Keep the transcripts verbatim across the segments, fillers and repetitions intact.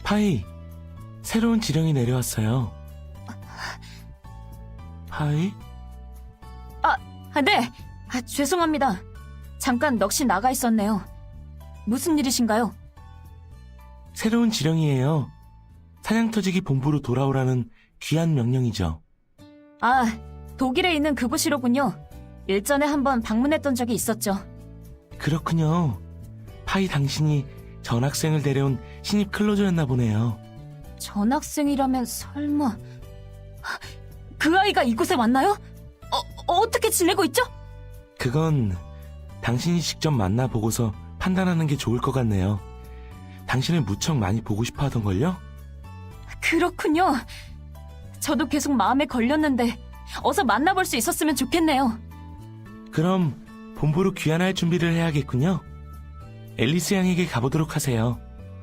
파이, 새로운 지령이 내려왔어요. 파이? 아, 네! 아, 죄송합니다. 잠깐 넋이 나가 있었네요. 무슨 일이신가요? 새로운 지령이에요. 사냥터지기 본부로 돌아오라는 귀한 명령이죠. 아, 독일에 있는 그곳이로군요. 일전에 한번 방문했던 적이 있었죠. 그렇군요. 파이 당신이 전학생을 데려온 신입 클로저였나 보네요. 전학생이라면 설마... 그 아이가 이곳에 왔나요? 어, 어떻게 지내고 있죠? 그건 당신이 직접 만나보고서 판단하는 게 좋을 것 같네요. 당신을 무척 많이 보고 싶어 하던걸요? 그렇군요. 저도 계속 마음에 걸렸는데 어서 만나볼 수 있었으면 좋겠네요. 그럼 본부로 귀환할 준비를 해야겠군요. 앨리스 양에게 가보도록 하세요.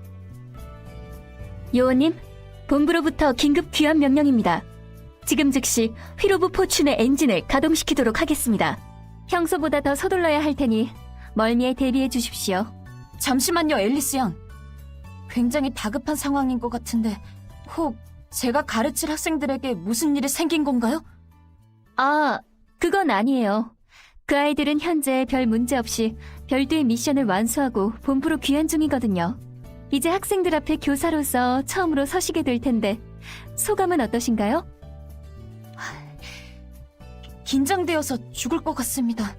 요원님, 본부로부터 긴급 귀환 명령입니다. 지금 즉시 휘로브 포춘의 엔진을 가동시키도록 하겠습니다. 평소보다 더 서둘러야 할 테니 멀미에 대비해 주십시오. 잠시만요, 앨리스 양. 굉장히 다급한 상황인 것 같은데 혹 제가 가르칠 학생들에게 무슨 일이 생긴 건가요? 아, 그건 아니에요. 그 아이들은 현재 별 문제 없이 별도의 미션을 완수하고 본부로 귀환 중이거든요. 이제 학생들 앞에 교사로서 처음으로 서시게 될 텐데 소감은 어떠신가요? 긴장되어서 죽을 것 같습니다.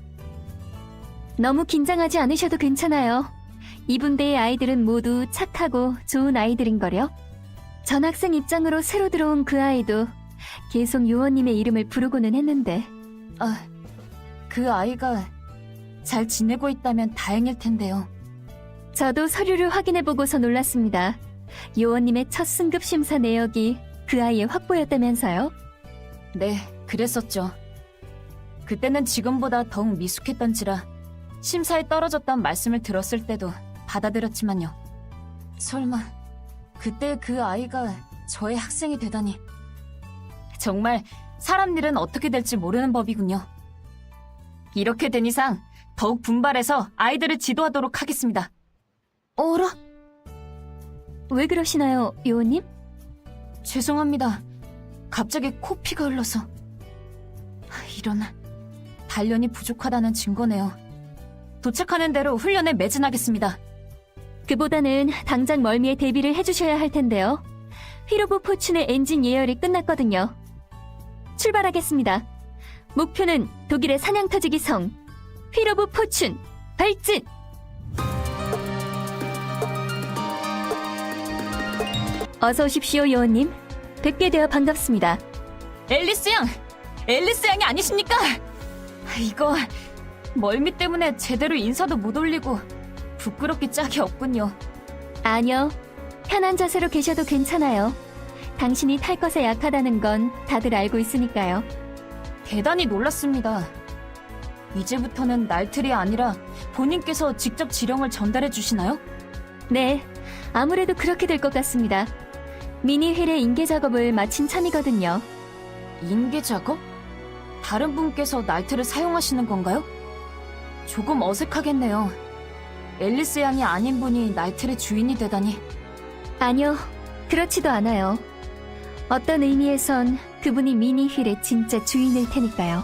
너무 긴장하지 않으셔도 괜찮아요. 이 분대의 아이들은 모두 착하고 좋은 아이들인걸요. 전학생 입장으로 새로 들어온 그 아이도 계속 요원님의 이름을 부르고는 했는데 아, 그 아이가 잘 지내고 있다면 다행일 텐데요. 저도 서류를 확인해보고서 놀랐습니다. 요원님의 첫 승급 심사 내역이 그 아이의 확보였다면서요? 네, 그랬었죠. 그때는 지금보다 더욱 미숙했던지라 심사에 떨어졌단 말씀을 들었을 때도 받아들였지만요. 설마 그때 그 아이가 저의 학생이 되다니. 정말 사람 일은 어떻게 될지 모르는 법이군요. 이렇게 된 이상 더욱 분발해서 아이들을 지도하도록 하겠습니다. 어라? 왜 그러시나요, 요원님? 죄송합니다. 갑자기 코피가 흘러서. 하, 이런, 단련이 부족하다는 증거네요. 도착하는 대로 훈련에 매진하겠습니다. 그보다는 당장 멀미에 대비를 해주셔야 할 텐데요. 휘로브 포춘의 엔진 예열이 끝났거든요. 출발하겠습니다. 목표는 독일의 사냥터지기 성 휘로브 포춘 발진! 어서 오십시오, 요원님. 뵙게 되어 반갑습니다. 앨리스 양! 앨리스 양이 아니십니까? 이거 멀미 때문에 제대로 인사도 못 올리고 부끄럽기 짝이 없군요. 아니요. 편한 자세로 계셔도 괜찮아요. 당신이 탈 것에 약하다는 건 다들 알고 있으니까요. 대단히 놀랐습니다. 이제부터는 날틀이 아니라 본인께서 직접 지령을 전달해 주시나요? 네, 아무래도 그렇게 될 것 같습니다. 미니 휠의 인계 작업을 마친 참이거든요. 인계 작업? 다른 분께서 날틀을 사용하시는 건가요? 조금 어색하겠네요. 앨리스 양이 아닌 분이 날틀의 주인이 되다니. 아니요, 그렇지도 않아요. 어떤 의미에선 그분이 미니 휠의 진짜 주인일 테니까요.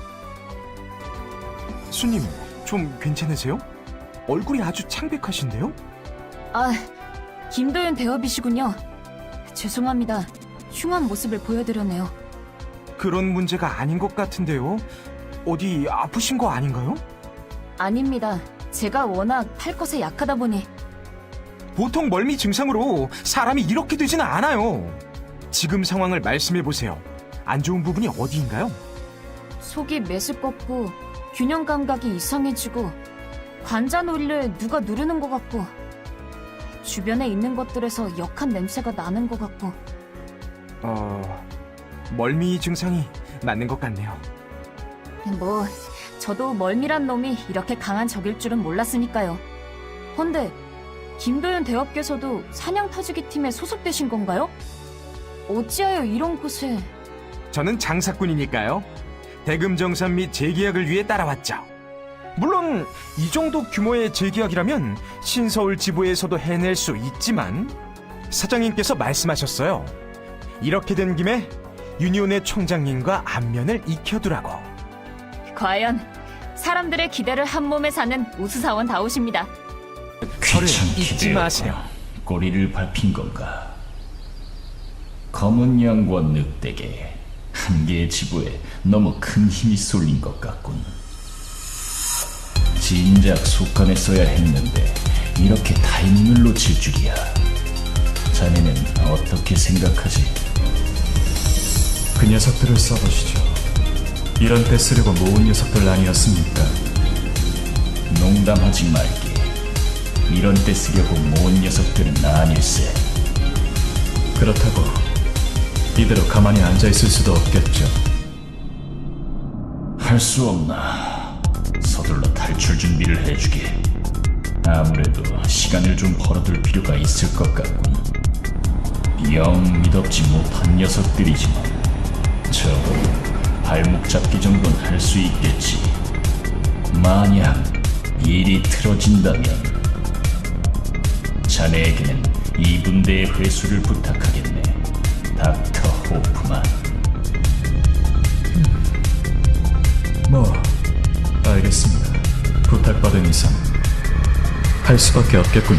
수님, 좀 괜찮으세요? 얼굴이 아주 창백하신데요? 아, 김도윤 대업이시군요. 죄송합니다. 흉한 모습을 보여드렸네요. 그런 문제가 아닌 것 같은데요? 어디 아프신 거 아닌가요? 아닙니다. 제가 워낙 탈 것에 약하다 보니. 보통 멀미 증상으로 사람이 이렇게 되지는 않아요. 지금 상황을 말씀해보세요. 안 좋은 부분이 어디인가요? 속이 메스껍고 균형 감각이 이상해지고 관자놀이를 누가 누르는 것 같고 주변에 있는 것들에서 역한 냄새가 나는 것 같고. 어... 멀미 증상이 맞는 것 같네요. 뭐 저도 멀미란 놈이 이렇게 강한 적일 줄은 몰랐으니까요. 헌데 김도윤 대업께서도 사냥터지기 팀에 소속되신 건가요? 어찌하여 이런 곳에... 저는 장사꾼이니까요. 대금정산 및 재계약을 위해 따라왔죠. 물론 이 정도 규모의 재계약이라면 신서울 지부에서도 해낼 수 있지만 사장님께서 말씀하셨어요. 이렇게 된 김에 유니온의 총장님과 안면을 익혀두라고. 과연 사람들의 기대를 한 몸에 사는 우수사원다우십니다. 저를 귀찮게 잊지 마세요. 되었구나. 꼬리를 밟힌 건가? 검은 양과 늑대게 한 개의 지부에 너무 큰 힘이 쏠린 것 같군. 진작 속간했어야 했는데 이렇게 타이밍을 놓칠 줄이야. 자네는 어떻게 생각하지? 그 녀석들을 써보시죠. 이런 때 쓰려고 모은 녀석들 아니었습니까? 농담하지 말게. 이런 때 쓰려고 모은 녀석들은 아닐세. 그렇다고 이대로 가만히 앉아있을 수도 없겠죠. 할 수 없나. 서둘러 탈출 준비를 해주게. 아무래도 시간을 좀 벌어둘 필요가 있을 것 같군. 영 믿업지 못한 녀석들이지만 적어도 발목 잡기 정도는 할 수 있겠지. 만약 일이 틀어진다면 자네에게는 이 분대의 회수를 부탁하겠네. 닥터 호프만. 뭐 알겠습니다. 부탁받은 이상 할 수밖에 없겠군요.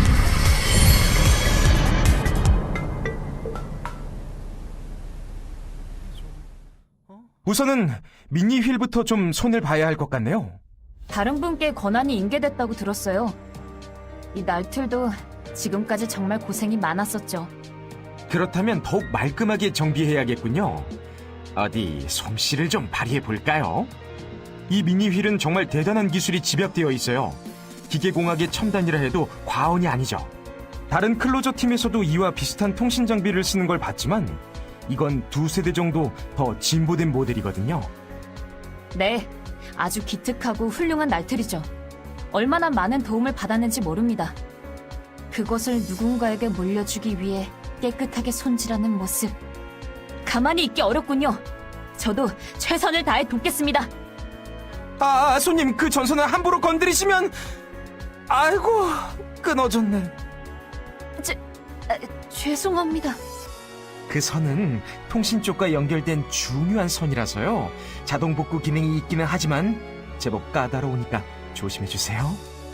우선은 미니 휠부터 좀 손을 봐야 할 것 같네요. 다른 분께 권한이 인계됐다고 들었어요. 이 날틀도 지금까지 정말 고생이 많았었죠. 그렇다면 더욱 말끔하게 정비해야겠군요. 어디 솜씨를 좀 발휘해 볼까요? 이 미니 휠은 정말 대단한 기술이 집약되어 있어요. 기계공학의 첨단이라 해도 과언이 아니죠. 다른 클로저 팀에서도 이와 비슷한 통신 장비를 쓰는 걸 봤지만 이건 두 세대 정도 더 진보된 모델이거든요. 네, 아주 기특하고 훌륭한 날틀이죠. 얼마나 많은 도움을 받았는지 모릅니다. 그것을 누군가에게 물려주기 위해 깨끗하게 손질하는 모습. 가만히 있기 어렵군요. 저도 최선을 다해 돕겠습니다. 아, 손님, 그 전선을 함부로 건드리시면... 아이고, 끊어졌네. 제, 아, 죄송합니다. 그 선은 통신 쪽과 연결된 중요한 선이라서요. 자동 복구 기능이 있기는 하지만 제법 까다로우니까 조심해주세요.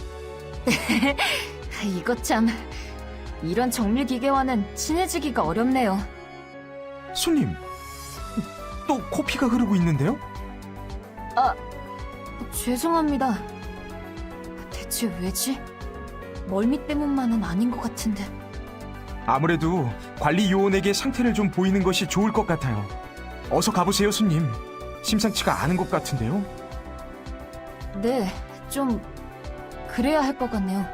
이것 참... 이런 정밀 기계와는 친해지기가 어렵네요. 손님, 또 코피가 흐르고 있는데요? 아, 죄송합니다. 대체 왜지? 멀미 때문만은 아닌 것 같은데. 아무래도 관리 요원에게 상태를 좀 보이는 것이 좋을 것 같아요. 어서 가보세요, 손님. 심상치가 않은 것 같은데요. 네, 좀 그래야 할 것 같네요.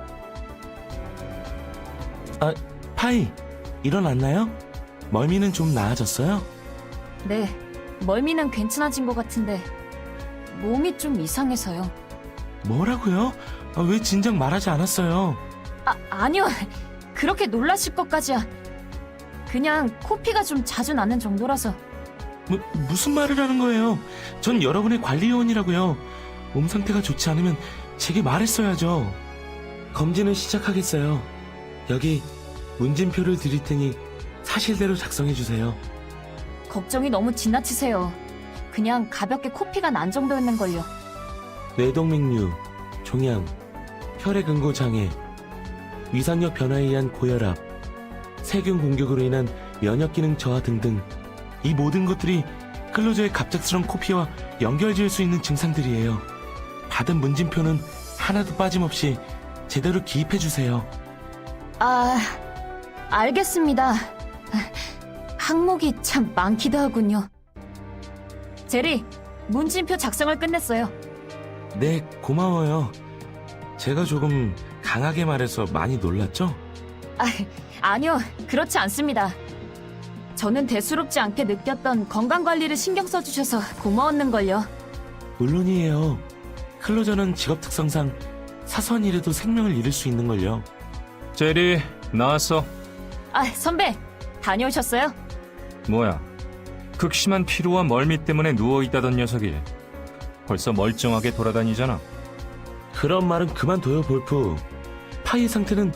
아, 파이, 일어났나요? 멀미는 좀 나아졌어요? 네, 멀미는 괜찮아진 것 같은데 몸이 좀 이상해서요. 뭐라고요? 아, 왜 진작 말하지 않았어요? 아, 아니요. 그렇게 놀라실 것까지야. 그냥 코피가 좀 자주 나는 정도라서. 무, 무슨 말을 하는 거예요? 전 여러분의 관리요원이라고요. 몸 상태가 좋지 않으면 제게 말했어야죠. 검진을 시작하겠어요. 여기 문진표를 드릴 테니 사실대로 작성해 주세요. 걱정이 너무 지나치세요. 그냥 가볍게 코피가 난 정도였는걸요. 뇌동맥류, 종양, 혈액 응고 장애, 위상력 변화에 의한 고혈압, 세균 공격으로 인한 면역 기능 저하 등등, 이 모든 것들이 클로저의 갑작스러운 코피와 연결지을 수 있는 증상들이에요. 받은 문진표는 하나도 빠짐없이 제대로 기입해 주세요. 아, 알겠습니다. 항목이 참 많기도 하군요. 제리, 문진표 작성을 끝냈어요. 네, 고마워요. 제가 조금 강하게 말해서 많이 놀랐죠? 아, 아니요, 그렇지 않습니다. 저는 대수롭지 않게 느꼈던 건강관리를 신경 써주셔서 고마웠는걸요. 물론이에요. 클로저는 직업 특성상 사소한 일에도 생명을 잃을 수 있는걸요. 제리, 나왔어. 아, 선배, 다녀오셨어요? 뭐야? 극심한 피로와 멀미 때문에 누워있다던 녀석이 벌써 멀쩡하게 돌아다니잖아. 그런 말은 그만둬요, 볼프. 파이의 상태는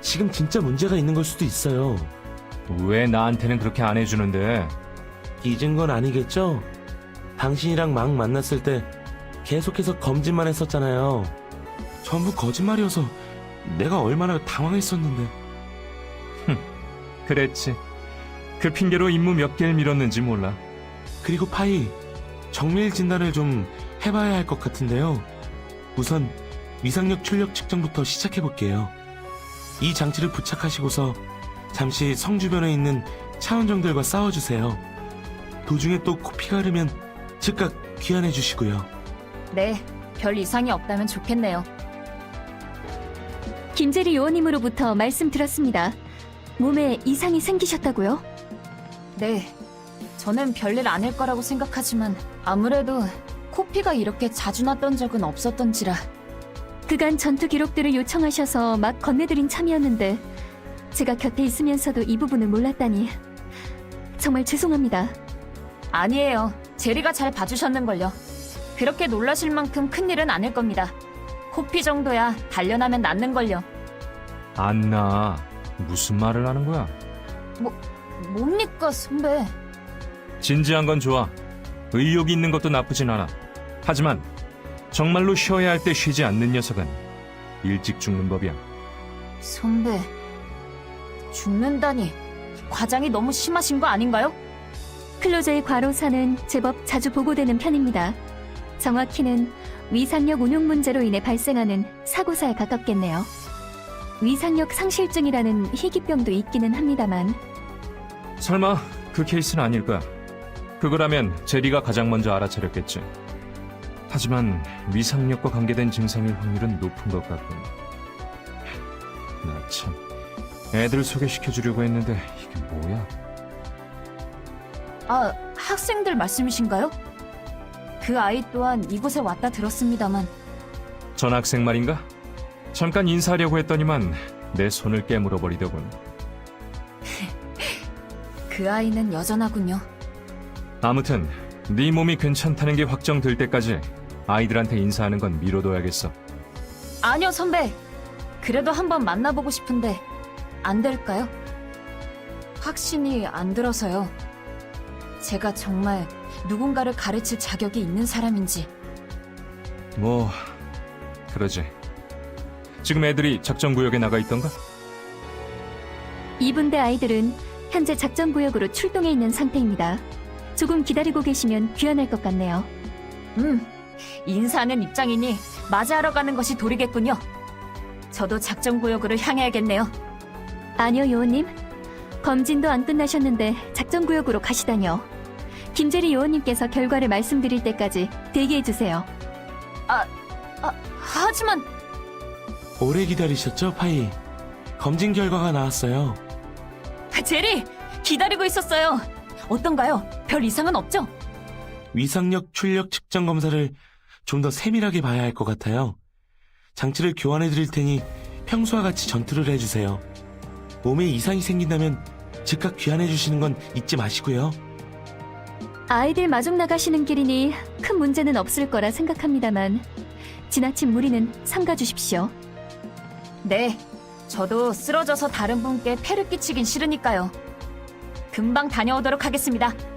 지금 진짜 문제가 있는 걸 수도 있어요. 왜 나한테는 그렇게 안 해주는데? 잊은 건 아니겠죠? 당신이랑 막 만났을 때 계속해서 검진만 했었잖아요. 전부 거짓말이어서 내가 얼마나 당황했었는데. 그랬지. 그 핑계로 임무 몇 개를 미뤘는지 몰라. 그리고 파이, 정밀 진단을 좀 해봐야 할 것 같은데요. 우선 위상력 출력 측정부터 시작해볼게요. 이 장치를 부착하시고서 잠시 성 주변에 있는 차원정들과 싸워주세요. 도중에 또 코피가 흐르면 즉각 귀환해주시고요. 네, 별 이상이 없다면 좋겠네요. 김재리 요원님으로부터 말씀 들었습니다. 몸에 이상이 생기셨다고요? 네, 저는 별일 아닐 거라고 생각하지만 아무래도 코피가 이렇게 자주 났던 적은 없었던지라. 그간 전투 기록들을 요청하셔서 막 건네드린 참이었는데 제가 곁에 있으면서도 이 부분을 몰랐다니 정말 죄송합니다. 아니에요. 제리가 잘 봐주셨는걸요. 그렇게 놀라실 만큼 큰일은 아닐 겁니다. 코피 정도야 단련하면 낫는걸요. 안 나. 무슨 말을 하는 거야? 뭡니까, 선배? 진지한 건 좋아. 의욕이 있는 것도 나쁘진 않아. 하지만 정말로 쉬어야 할 때 쉬지 않는 녀석은 일찍 죽는 법이야. 선배, 죽는다니 과장이 너무 심하신 거 아닌가요? 클로저의 과로사는 제법 자주 보고되는 편입니다. 정확히는 위상력 운용 문제로 인해 발생하는 사고사에 가깝겠네요. 위상력 상실증이라는 희귀병도 있기는 합니다만 설마 그 케이스는 아닐 거야. 그거라면 제리가 가장 먼저 알아차렸겠지. 하지만 위상력과 관계된 증상일 확률은 높은 것 같군. 나 참, 애들 소개시켜주려고 했는데 이게 뭐야? 아, 학생들 말씀이신가요? 그 아이 또한 이곳에 왔다 들었습니다만. 전학생 말인가? 잠깐 인사하려고 했더니만 내 손을 깨물어 버리더군. 그 아이는 여전하군요. 아무튼 네 몸이 괜찮다는 게 확정될 때까지 아이들한테 인사하는 건 미뤄둬야겠어. 아니요, 선배. 그래도 한번 만나보고 싶은데 안 될까요? 확신이 안 들어서요. 제가 정말 누군가를 가르칠 자격이 있는 사람인지. 뭐 그러지. 지금 애들이 작전구역에 나가 있던가? 이 분대 아이들은 현재 작전구역으로 출동해 있는 상태입니다. 조금 기다리고 계시면 귀환할 것 같네요. 음, 인사하는 입장이니 맞이하러 가는 것이 도리겠군요. 저도 작전구역으로 향해야겠네요. 아니요, 요원님. 검진도 안 끝나셨는데 작전구역으로 가시다뇨. 김재리 요원님께서 결과를 말씀드릴 때까지 대기해주세요. 아, 하지만 오래 기다리셨죠, 파이? 검진 결과가 나왔어요. 제리! 기다리고 있었어요. 어떤가요? 별 이상은 없죠? 위상력 출력 측정 검사를 좀 더 세밀하게 봐야 할 것 같아요. 장치를 교환해 드릴 테니 평소와 같이 전투를 해주세요. 몸에 이상이 생긴다면 즉각 귀환해 주시는 건 잊지 마시고요. 아이들 마중 나가시는 길이니 큰 문제는 없을 거라 생각합니다만 지나친 무리는 삼가주십시오. 네, 저도 쓰러져서 다른 분께 폐를 끼치긴 싫으니까요. 금방 다녀오도록 하겠습니다.